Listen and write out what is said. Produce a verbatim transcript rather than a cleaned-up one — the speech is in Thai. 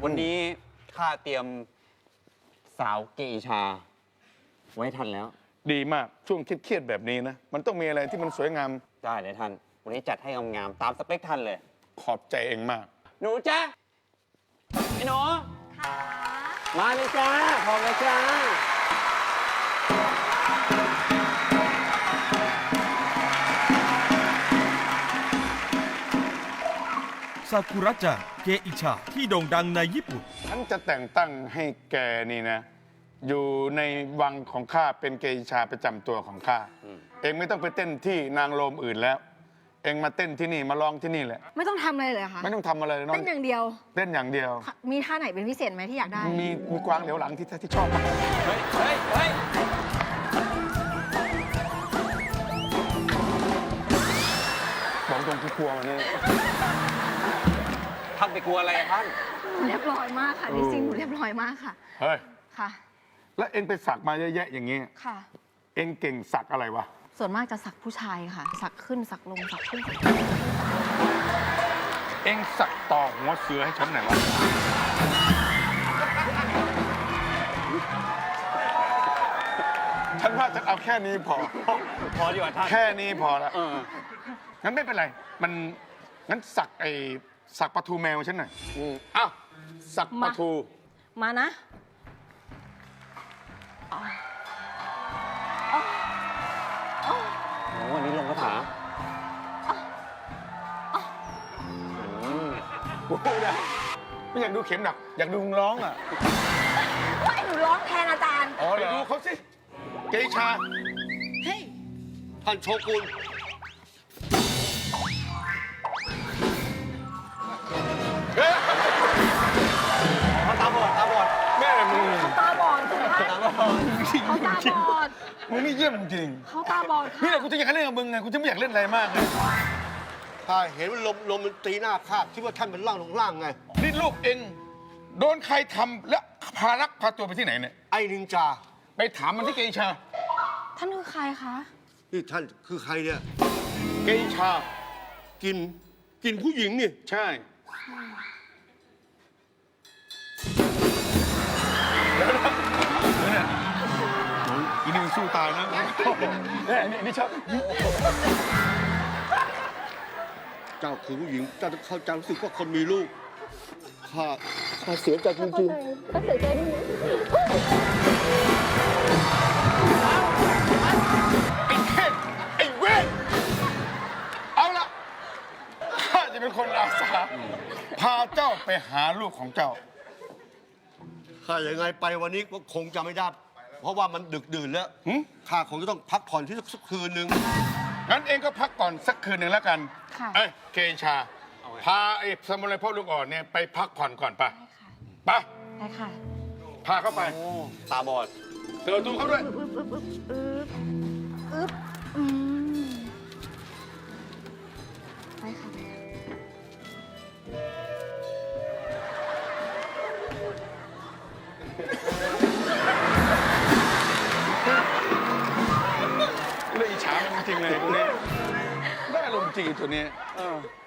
วันนี้ข้าเตรียมสาวเกอิชา ไว้ทันแล้วดีมากช่วงเครียดๆแบบนี้นะ มันต้องมีอะไรที่มันสวยงามได้เลยท่าน วันนี้จัดให้งามๆตามสเปคท่านเลยขอบใจเองมากหนูจ้าไอ้หนูค่ะมาเลยจ้าพร้อมแล้วจ้าซากุระจังเกอิชาที่โด่งดังในญี่ปุ่นฉันจะแต่งตั้งให้แกนี่นะ อยู่ในวังของข้าเป็นเกอิชาประจำตัวของข้า เองไม่ต้องไปเต้นที่นางโรมอื่นแล้ว เองมาเต้นที่นี่มาร้องที่นี่แหละไม่ต้องทำอะไรเลยเหรอคะไม่ต้องทำอะไรเลยน้องเต้นอย่างเดียวเต้นอย่างเดียวมีท่าไหนเป็นพิเศษไหมที่อยากได้มีมีกวางเหลียวหลังที่ที่ชอบมากเฮ้ยเฮ้ยเฮ้ยบอกตรงที่ครัวมันนี่ท่านไปกลัวอะไรอะท่านหนูเรียบร้อยมากค่ะโอ้จริงๆหนูเรียบร้อยมากค่ะเฮ้ยค่ะแล้วเองไปสักมาเยอะแยะอย่างนี้ค่ะเองเก่งสักอะไรวะส่วนมากจะสักผู้ชายค่ะ สักขึ้นสักลงสักขึ้นสักลงเองสักต่อหัวเสือให้ฉันหน่อยวะ ฉันว่าจะเอาแค่นี้พอพอดีกว่าท่านแค่นี้พอละเอองั้นไม่เป็นไร มัน งั้นสักไอ้สักปลาทูแมวฉันหน่อยอืมอ้าว สักปลาทูมานะโอ้วันนี้ลงคาถาอืมกูนะไม่อยากดูเข็มหนัก อยากดูมึงร้องอ่ะว่าหนูร้องแทนอาจารย์อ๋อไปดูเขาสิ เกชาเฮ้ยท่านโชกุนเฮ้ยเขาตาบอดตาบอดแม่มึงเขาตาบอดถูกไหมตาบอดเขาตาบอดมึงนี่เยี่ยมจริงเขาตาบอดนี่ค่ะแหละกูจะอยากเล่นกับมึงไง กูจะไม่อยากเล่นอะไรมากเลยข้าเห็นว่าลมลมมันตีหน้าข้าคิดว่าท่านเป็นร่างลงล่างไงนี่ลูกเองโดนใครทำและพารักพาตัวไปที่ไหนเนี่ยไอ้นินจาไปถามมันที่เกชาท่านคือใครคะนี่ท่านคือใครเนี่ยเกชากิน กินผู้หญิงนี่ใช่เนี่ยอีนี่มันสู้ตายนะเนี่ยนี่นี่ชอบเจ้าคือผู้หญิง เจ้าต้องเข้าใจรู้สึกว่าคนมีลูก ข้า ข้าเสียใจจริงๆไอ้เทพไอ้เวทเอาละข้าจะเป็นคนอาสาพาเจ้าไปหาลูกของเจ้าข้ายังไงไปวันนี้ก็คงจะไม่ได้ เพราะว่ามันดึกดื่นแล้วหึข้าคงจะต้องพักผ่อนที่สักคืนหนึ่งงั้นเองก็พักก่อนสักคืนหนึ่งแล้วกันค่ะเอ้ยเกชา พาไอ้สมุไรพ่อลูกอ่อนเนี่ยไปพักผ่อนก่อนไปไปได้ค่ะพาเข้าไปโอ้ตาบอดเปิดประตูเขาด้วยอึ๊บอึ๊บอึ๊บอึ๊บอึ๊บอืมไปค่ะเลยอิจฉามันจริงๆเลยตัวนี้ได้อารมณ์จริงตัวนี้